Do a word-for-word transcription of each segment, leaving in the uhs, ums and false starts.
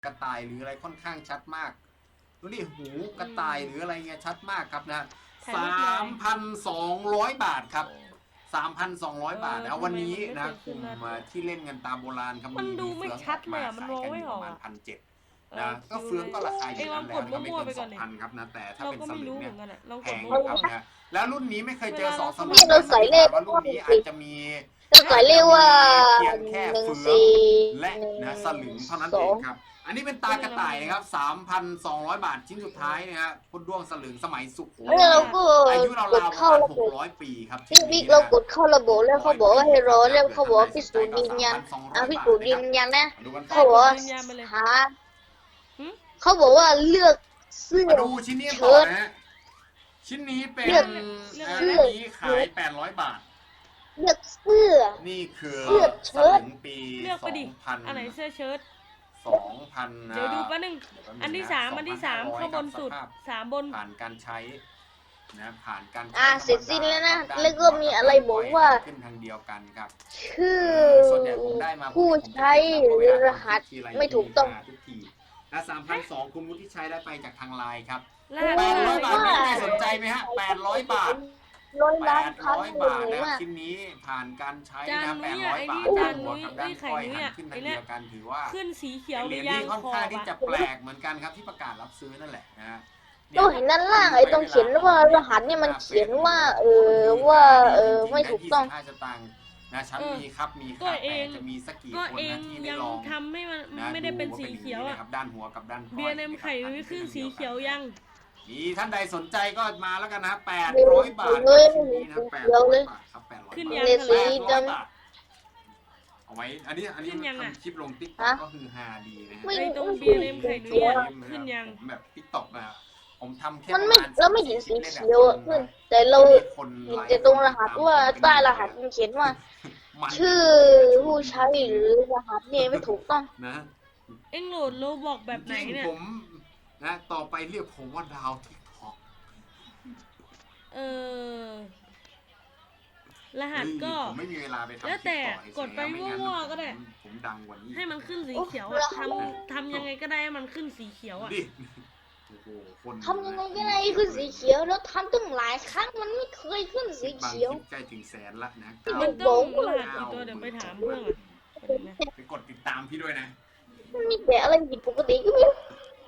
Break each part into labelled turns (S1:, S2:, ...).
S1: กระต่ายหรืออะไรค่อนข้างชัดมากดูดิหูกระต่ายหรืออะไรเงี้ยชัดมากครับนะสามพันสองร้อยบาทครับสามพันสองร้อยบาทนะวันนี้นะกลุ่มที่เล่นกันตามโบราณครับมีเฟืองออกมาขายกันอยู่ประมาณพันเจ็ดนะก็เฟืองก็ราคาอยู่นั้นแล้วนะครับไม่เกินสองพันครับนะแต่ถ้าเป็นสลึงเนี่ยแพงนะครับนะแล้วรุ่นนี้ไม่เคยเจอสองสลึงนะสังเกตว่ารุ่นนี้อาจจะมี
S2: เราใส่เรียกว่า
S1: เพียงแค่เฟืองและนะสลึงเท่านั้นเองครับอันนี้เป็นตากระต่ายนะครับ สามพันสองร้อย บาทชิ้นสุดท้ายนะฮะพุดด้วงสลึงสมัยสุโขทัยอายุราวๆประมาณหกร้อยปีครับ
S2: พี่บิ๊กเรากดเข้าระบบแล้วเขาบอกว่าให้รอแล้วเขาบอกพิสูจน์ยืนยันอ่ะพิสูจน์ยืนยันนะเขาบอกว่าหาเขาบอกว่าเลือกเสื้อ
S1: มาดูชิ้นนี้ก่อนนะฮะชิ้นนี้เป็นอันนี้ขายแปดร้อยบาท
S2: เลือกเสื้อ
S1: นี่คือ
S2: เสื้อเชิ้ต
S1: ปีสองพัน
S3: อันไหนเสื้อเชิ้ต
S1: สองพัน
S3: เดี๋ยวดูแป๊บนึงอันที่สามอันที่สามข้างบนสุดสามบน
S1: ผ่านการใช้นะผ่านการ
S2: อ่าเสร็จสิ้นแล้วนะแล้วก็มีอะไรบอกว่า
S1: ขึ้นทางเดียวกันครับ
S2: ชื่อ
S1: ส่วนใหญ่ผมได้มา
S2: ผู้ใช้หรือรหัสไม่ถูกต้อง
S1: ทุกทีนะสามพันสองคุณวุฒิชัยได้ไปจากทางไลน์ครับ
S3: แ
S1: แปดร้อยบาทมีใครสนใจไหมฮะแปดร้อยบาท
S2: ร้อย
S1: แป
S2: ล้าน
S1: ด
S2: พัน
S1: ร้อยบาทนะชิ้นนี้ผ่านการใช้นะแปดร้อยบาทด้านหัวกับด้านก้อยหันขึ้นทางเดียวกันถือว่า
S3: ขึ้นสีเขียวห
S1: เห
S3: รื
S1: รียญ
S3: อยั
S1: ที่
S3: ง
S1: ค่อน
S3: ขอ
S1: ข้าง
S3: บ
S1: ที่จะแปลกเหมือนกันครับที่ประกาศรับซื้อนั่นแหละนะฮะ
S2: ตัวเห็นด้านล่างไอ้ตรงเขียนว่ารหัสเนี่ยมันเขียนว่าเออว่าเออไม่ถูกต้อง
S1: ยี่สิบห้าสตางค์นะฉันมีครับมีครับแต่จะมีสักกี่คนนะที่ได้ลอง
S3: ทำให้มันไม่ได้เป็นสีเขียวอ่ะ
S1: ด้านหัวกับด้านก้อย
S3: เบียร์เนมไข่ไม่ขึ้นสีเขียวยัง
S1: มีท่านใดสนใจก็มาแล้วกันนะแปดร้อยบาทชิ้นนี้นะแปดร้อยบาทครับแปดร้อยบาท
S3: ขึ้นยัง
S2: สีดำ
S1: เอาไว้อันนี้อันนี้ทำคลิปลงติ๊กต็อกก็คือฮาดีนะฮะ
S3: ไอ้ตรงเบียร์เนมไข่นุ้ยขึ้นยัง
S1: ผมแบบติ๊กต็อกนะผมทำแค่
S2: มันไม่เราไม่เห็นสีเขียวอ่ะขึ้นแต่เราเห็นแต่ตรงรหัสว่าใต้รหัสมันเขียนว่าชื่อผู้ใช้หรือรหัสเนี่ยไม่ถูกต้อง
S1: นะ
S3: เอ็งโหลดโลบอกแบบไหนเนี่ย
S1: ผมนะต่อไปเรียกผมว่าดาวทิกทอก
S3: เออรหัสก็
S1: ผมไม่มีเวลาไปทำ
S3: แล้วแต่กดไปมั่วๆก็ได้
S1: ผมดังกว่านี้
S3: ให้มันขึ้นสีเขียวอะทำทำยังไงก็ได้ให้มันขึ้นสีเขียวอะ
S2: ทำยังไงก็ได้ขึ้นสีเขียวแล้วทำตั้งหลายครั้งมันไม่เคยขึ้นสีเขียว
S1: ใกล้ถึงแสนละนะ
S3: มันต้องรหัสกี่ตัวเดี๋ยวไปถามเพื่อน
S1: ไปกดติดตามพี่ด้วยนะ
S2: มันมีแต่อะไรผิดปกติก็ไม่รู้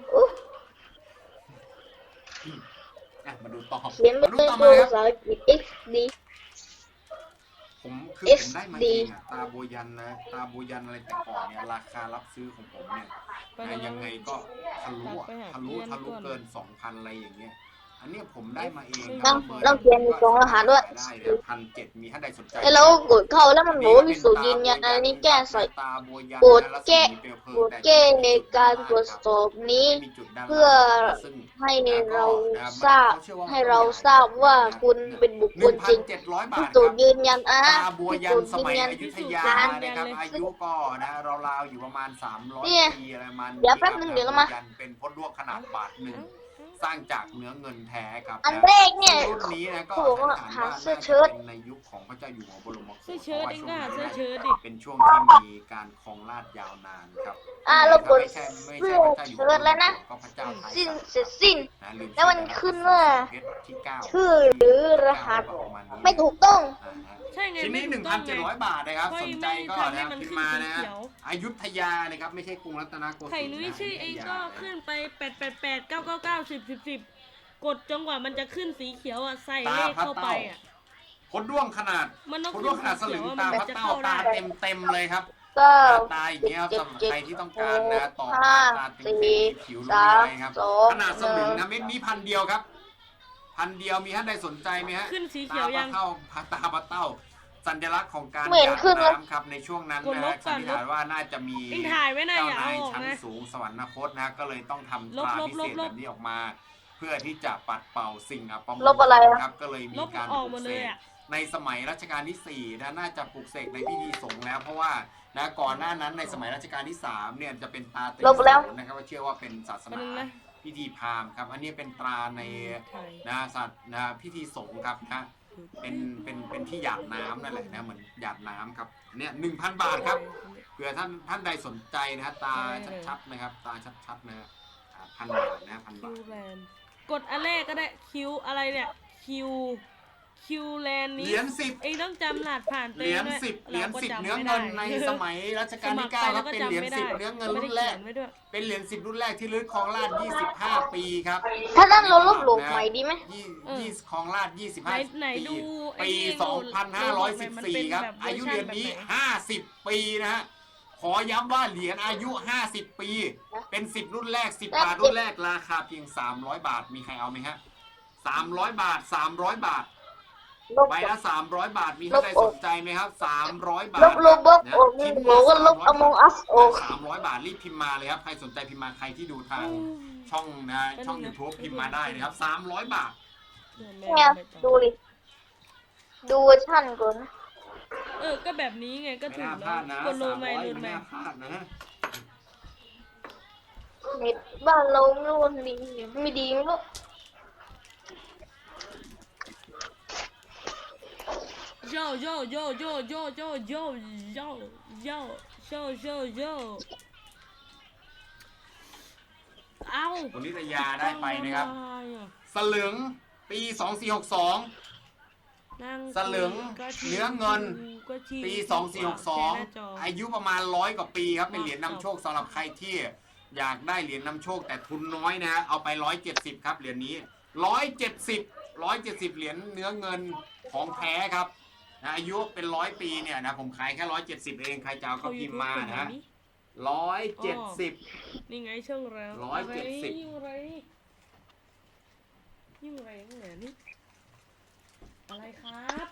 S1: มาดูต่อ
S2: เขียนเป็นภาษาอังกฤษ เอ็กซ์ ดี
S1: ผมคือผมได้มาเองอะตาโบยันนะตาโบยันอะไรแต่ก่อนเนี่ยราคารับซื้อของผมเนี่ยยังไงก็ทะลุทะลุทะลุเกินสองพันอะไรอย่างเงี้ยอันนี้ผมได้มาเอง
S2: ต้องต้องเขียนมีสองรหัสด้วย
S1: ได้พันเจ็ดมีท่านใดสนใจ
S2: แล้วกดเข้าแล้วมันบอกว่ามีสูตรยืนยันอันนี้แก้ใส่กดแก้กดแก้ในการตรวจสอบนี้เพื่อให้เราทราบให้เราทราบว่าคุณเป็นบุคคลจริงสูตรยืนยันอ่ะ
S1: สูตรยืนยันอยุธยานะครับอายุก็นะราวๆอยู่ประมาณสามร้อยปีอะไรประมาณ
S2: เดี๋ยวแป๊บนึงเดี๋ยวมา
S1: เป็นพดลวกขนาดบาทหนึ่งสร้างจากเนื้อเงินแท้ครับ
S2: อันแรกเนี่ย
S1: รุ่นนี้นะก็
S2: หาเสื้อเชิ้ต
S1: ในยุคของพระเจ้าอยู่หัวบรมโกศ
S3: เสื้อเชิ้ตเองก็เสื้อเชิ้ตดิ
S1: เป็นช่วงที่มีการครองราชยาวนานครับ
S2: อ่าเรากดเสื้อเชิ้ตแล้วนะสิ้นเสร็จสิ้นแล้วมันขึ้นว่าชื่อหรือรหัสไม่ถูกต้อง
S1: ชิ้นนี้ หนึ่งพันเจ็ดร้อย บาทนะครับสนใจก็นะพิมพ์มานะอยุธยานะครับไม่ใช่กรุงรัตนโกสินทร์
S3: ไข่นุ้ยชื่อเองก็ขึ้นไปแปดแปดแปดเก้าเก้าเก้าสิบสิบสิบกดจนกว่ามันจะขึ้นสีเขียวอ่ะใส่เลขเข้าไปอ่ะ
S1: พดด้วงขนาดพดด้วงขนาดสลึงตาพัดเต้าตาเต็มเต็มเลยครับตาอย่างเงี้ยสำหรับใครที่ต้องการนะต่อตาเต็มเต็มผิวรู้อะไรครับขนาดสลึงนะเม็ดนี้พันเดียวครับพันเดียวมีท่านใดสนใจไหมฮะ
S3: ขึ้นสีเขียวยัง
S1: ตาพัดเต้าตาพัดเต้าสัญลักษณ์ของการหยาดน้ำครับในช่วงนั้นนะสันนิษฐานว่าน่าจะมีเจ้านายชั้นสูงสวรรคตนะก็เลยต้องทำตราพิเศษแบบนี้ออกมาเพื่อที่จะปัดเป่าสิ่งอัปมงคลครับก็เลยมีการปลูกเสกในสมัยรัชกาลที่สี่นะน่าจะปลูกเสกในพิธีสงฆ์แล้วเพราะว่านะก่อนหน้านั้นในสมัยรัชกาลที่สามเนี่ยจะเป็นตาเต็มนะครับว่าเชื่อว่าเป็นศาสนาพิธีพราหมณ์ครับอันนี้เป็นตราในนะสัตว์นะพิธีสงฆ์ครับนะเป็นเป็นเป็นที่หยาดน้ำนั่นแหละนะเหมือนหยาดน้ำครับเนี่ยหนึ่งพันบาทครับเผื่อท่านท่านใดสนใจนะฮะตาชัดๆนะครับตาชัดๆนะฮะพันบาทนะพัน
S3: คิ
S1: บาท
S3: วแลนด์กดอันแรกก็ได้คิวอะไรเนี่ยคิวคิวแลนด์
S1: เห
S3: นี้
S1: รียญสิบ
S3: เองต้องจำรหัสผ่าน
S1: เหรียญสิบเหรียญสิบเนื้อเงินในสมัยรัชกาลที่เก้าครับเป็นเหรียญสิบเนื้อเงินรุ่นแรกเป็นเหรียญสิบรุ่นแรกที่ลึกคลองลาดยี่สิบห้าปีครับ
S2: ถ้าด้านเราลบหลู่ใหม่ดีไหม
S1: ยี่ยี่คลองลาดยี่สิบ
S3: ไหน
S1: ห้า
S3: ไหน
S1: ปี
S3: ดูไอ้
S1: ปี
S3: ที่
S1: สองพันห้าร้อยสิบสี่ครับ
S3: มันเป็นแบบ
S1: อายุเหรียญนี้
S3: เวอร์ชันแบบไหน
S1: ห้าสิบปีนะฮะขอย้ำว่าเหรียญอายุห้าสิบปีเป็นสิบรุ่นแรกสิบบาทรุ่นแรกราคาเพียงสามร้อยบาทมีใครเอาไหมฮะสามร้อยบาทสามร้อยบาท
S2: ลบ
S1: ใบละสามร้อยบาทมีท่านใดสนใจไหมครับสามร้อยบาท
S2: ลบลบบล็อกออกนี่บอกว่าลบ Among Us ออก
S1: สามร้อยบาทรีบพิมพ์มาเลยครับใครสนใจพิมพ์มาใครที่ดูทางช่องนะช่อง YouTube พิมพ์มาได้นะครับสามร้อยบาท
S2: เนี่ยดูดิดูเวอร์ชันก่อนนะ
S3: เออก็แบบนี้ไงก็
S1: ไม่
S3: ถูก
S1: น่าพ
S3: แล้
S1: ลาว ดนะ
S3: กดโล
S1: สาม
S3: ไม
S1: ร้อย
S3: โล
S1: ไม่
S3: ไม
S1: น่าพลาดนะ
S2: เน็ตบ้านเราไม่รู้มันดีไม่ดีไม่รู้
S3: โยโยโยโยโยโยโยโยโยโยโยโยเอา
S1: คุณนิตยาได้ไปนะครับสลึงปีสองสี่หกสองสลึงเนื้อเงินปีสองสี่หกสองอายุประมาณร้อยกว่าปีครับเป็นเหรียญนำโชคสำหรับใครที่อยากได้เหรียญนำโชคแต่ทุนน้อยนะฮะเอาไปร้อยเจ็ดสิบครับเหรียญนี้ร้อยเจ็ดสิบร้อยเจ็ดสิบเหรียญเนื้อเงินของแท้ครับนะอายุเป็นร้อยปีเนี่ยนะผมขายแค่ร้อยเจ็ดสิบเองใครจะเอาก็พิมพ์มานะฮะร้อยเจ็ดสิบ
S3: นี่ไงช่องแล้ว
S1: ร้อยเจ็ดสิบ
S3: ยิ่งไรยิ่งไรยิ่งไรนี่อะไรครับ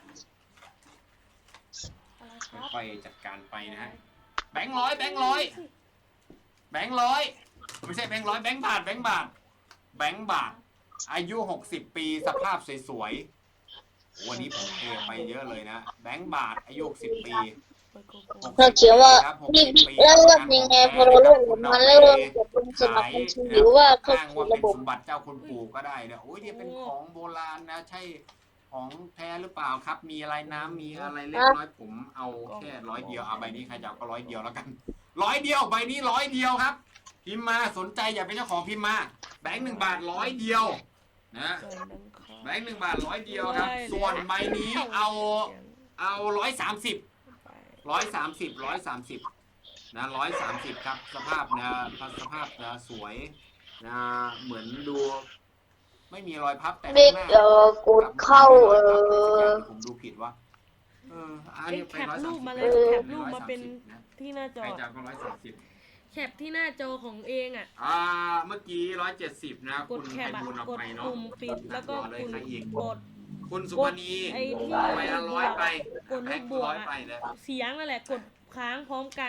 S3: อะไรครับ
S1: ค่อยๆจัดการไปนะฮะแบงค์ร้อยแบงค์ร้อยแบงค์ร้อยไม่ใช่แบงค์ร้อยแบงค์บาทแบงค์บาทแบงค์บาทอายุหกสิบปีสภาพสวยๆวันนี้ผมเทไปเยอะเลยนะแบงค์บาทอายุหกสิบปี
S2: เราเขียนว่านี่แล้วว่ายังไงพอเราเริ่มกับมันแล้วเริ่มกับเป็นสมัครบัญชีหรือว่าเข้า
S1: อ้าง
S2: สู่
S1: ว่าเป็
S2: ระ
S1: น
S2: บบ
S1: สมบัติเจ้าคุณปู่ก็ได้เนี่ยโอ้ยเนี่ยเป็นของโบราณนะใช่ของแท้หรือเปล่าครับ มีอะไรน้ำมีอะไรเล็กน้อยผมเอาแค่ร้อยเดียวเอาใบนี้ใครจะเอาก็ร้อยเดียวแล้วกันร้อยเดียวใบนี้ร้อยเดียวครับพิมพ์มาสนใจอยากเป็นเจ้าของพิมพ์มาแบงค์หนึ่งบาทร้อยเดียวนะแบงค์หนึ่งบาทร้อยเดียวครับส่วนใบนี้เอาเอาร้อยสามสิบร้อยสามสิบร้อยสามสิบนะร้อยสามสิบครับสภาพนะสภาพนะสวยนะเหมือนดูไม่มีรอยพับแต่
S2: เด็กเอ่อกดเข้าเออ
S1: ผมดูผิดว่าเอออัน
S3: ไอ้
S1: นี้
S3: แค
S1: เป็น
S3: ป
S1: ร้อย
S3: รู
S1: สามสิบ
S3: ปมาเลยแคปรูปมาเป็นที่หน้าจอ
S1: ใครจะก็ร้อยสามสิบ
S3: แคปที่หน้าจอของเองอ่ะ
S1: อ่าเมื่อกี้ร้อยเจ็ดสิบนะ
S3: ก
S1: คุ
S3: ด
S1: ณ
S3: แค
S1: ไพ
S3: ปอะ
S1: บูลย์เอา
S3: กด
S1: ไปเนาะ
S3: ปุ่มปิดแล้วก็
S1: รอเลย
S3: คุณ
S1: ใครอีก
S3: กด
S1: คุณสุ
S3: ก
S1: พ
S3: ด
S1: นี
S3: ไอ้ที่
S1: ไปละร้อยไป
S3: กดลูกบวก
S1: ร้อย
S3: อะ
S1: ไปเลย
S3: เสียงนั่นแหละกดค้างพร้อมกัน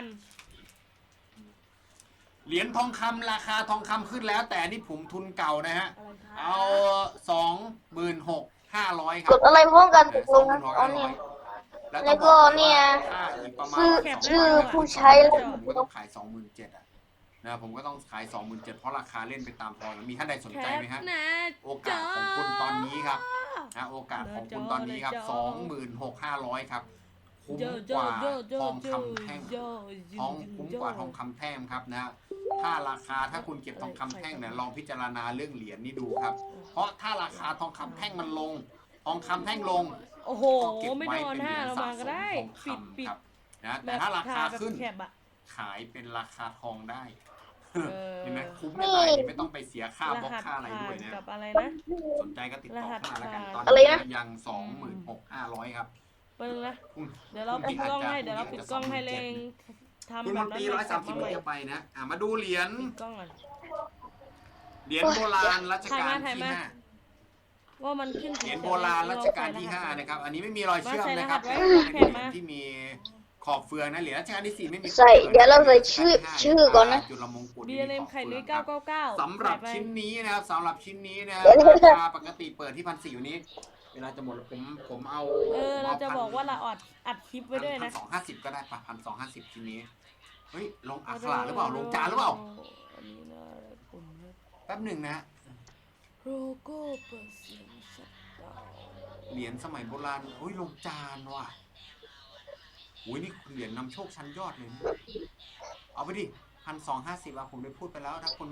S1: เหรียญทองคำราคาทองคำขึ้นแล้ว แต่นี่ผมทุนเก่านะฮะ
S3: อะไรครับ
S1: เอาสองหมื่นหกห้าร้อยครั
S2: กดอะไรพร้อมกันตกลงนะ
S1: สองห
S2: เอา
S1: มื่นหก
S2: เนี่ย
S1: ห้าร้อย
S2: แล้วก็เนี่ย
S1: ค่าอีกประมาณ
S2: ชื่อ
S1: สง
S2: ชื่อ
S1: พัน
S2: ผู้ใช้
S1: ผมก็ต้องขายสองหมื่นเจ็ดอ่ะนะผมก็ต้องขายสองหมื่นเจ็ดเพราะราคาเล่นไปตามพอมีท่านใดสน
S3: แค
S1: ใจ
S3: ป
S1: ไหมฮะ
S3: หน้า
S1: โอ
S3: จ
S1: กาส
S3: อ
S1: ของคุณตอนนี้ครับนะโอกาสของคุณตอนนี้ครับ
S3: หน้าจ
S1: ส
S3: อ
S1: องหมื่นหกห้าร้อยครับคุ้ม
S3: โยโย
S1: กว่า
S3: โยโย
S1: ทอง
S3: โย
S1: คำแท่ง
S3: โย
S1: ทองคุ้มกว่าทองคำแท่งครับนะถ้าราคาถ้าคุณเก็บทองคำแท่งเนี่ยลองพิจารณาเรื่องเหรียญนี่ดูครับ เพราะถ้าราคาทองคำแท่งมันลง ทองคำแท่งลง
S3: โอ้โห
S1: ก็เก็บ
S3: ไม่
S1: ไว้
S3: นอน
S1: เป็นเห
S3: ห้า
S1: รียญ
S3: เรา
S1: สะ
S3: มา
S1: ส
S3: ก็
S1: ม
S3: ได้
S1: ทอง
S3: ปิดปิด
S1: คำครับนะ
S3: แบ
S1: แต่
S3: บ
S1: ถ้าราคา
S3: แบบ
S1: ขึ้น
S3: แคปอะ
S1: ขายเป็นราคาทองได้
S3: เออ
S1: เห็นไหมคุ้มไม่ตายนี่ไม่ต้องไปเสียค่าร บล็อก
S3: หัส
S1: ค่าอะไร
S3: ผ่า
S1: ด้วย
S3: น
S1: นะ
S3: กับอะไรนะ
S1: สนใจก็ติดต่อเข้ามาแล้วกัน
S3: รหัส
S1: ตอน
S2: อะไร
S1: นี้
S2: นะ
S1: ยังสองหมื่นหกห้าร้อยครับ
S3: เปิ้ลนะ
S1: คุณ
S3: เดี๋ยวเราปิดกล้องให้เดี๋ยวเราปิดกล้องให้เลงทำ
S1: คุณ
S3: แบ
S1: ม
S3: บ
S1: น
S3: นั้
S1: ต
S3: น
S1: รี
S3: เล
S1: ร้อย
S3: ย
S1: สามสิบ
S3: มาใหม่
S1: จะไปนะอ่ะมาดูเหรียญ
S3: ปิดกล้องก่อน
S1: เหรียญโบราณรัชกาล
S3: ถ่าย
S1: ที่
S3: มา
S1: ห้า
S3: ว่ามันขึ้น
S1: เหรียญโบราณรัชกาลที่ห้านะครับ อันนี้ไม่มีรอยเชื่อมนะครับ
S3: มา
S1: เป็น
S3: ใส่
S1: เห
S3: ร
S1: รี
S3: หัสไว้
S1: ยญที่มีขอบเฟืองนะเหรียญรัชกาลที่สี่ไม่มี
S2: ใส่เดี๋ยวเราใส่ชื่อชื่อก่อนนะ
S1: จุลมงกุฎ
S3: บีเอ็มไข่นุ้ยเก้าเก้าเก้า
S1: สำหรับชิ้นนี้นะครับสำหรับชิ้นนี้นะครับราคาปกติเปิดที่พันสี่อยู่นี้ เวลาจะหมดผมผมเอา
S3: เออเราจะบอกว่าเราอัดอัดคลิปไว้ด้วย
S1: พั
S3: นะ
S1: นสองห้าสิบก็ได้ปะพันสองห้าสิบชิ้นนี้เฮ้ยลงอักขระหรือเปล่าลงจานหรือเปล่า
S3: อันนี้นะผมนะ
S1: แป๊บหนึ่งนะ
S3: โลโก้เปิดเสียงชัดดาวน์
S1: เหรียญสมัยโบราณอุ้ยลงจานว่ะอุ้ยนี่เหรียญนำโชคชั้นยอดเลยนะเอาไปดิพันสองห้าสิบอะผมได้พูดไปแล้วถ้าคุณ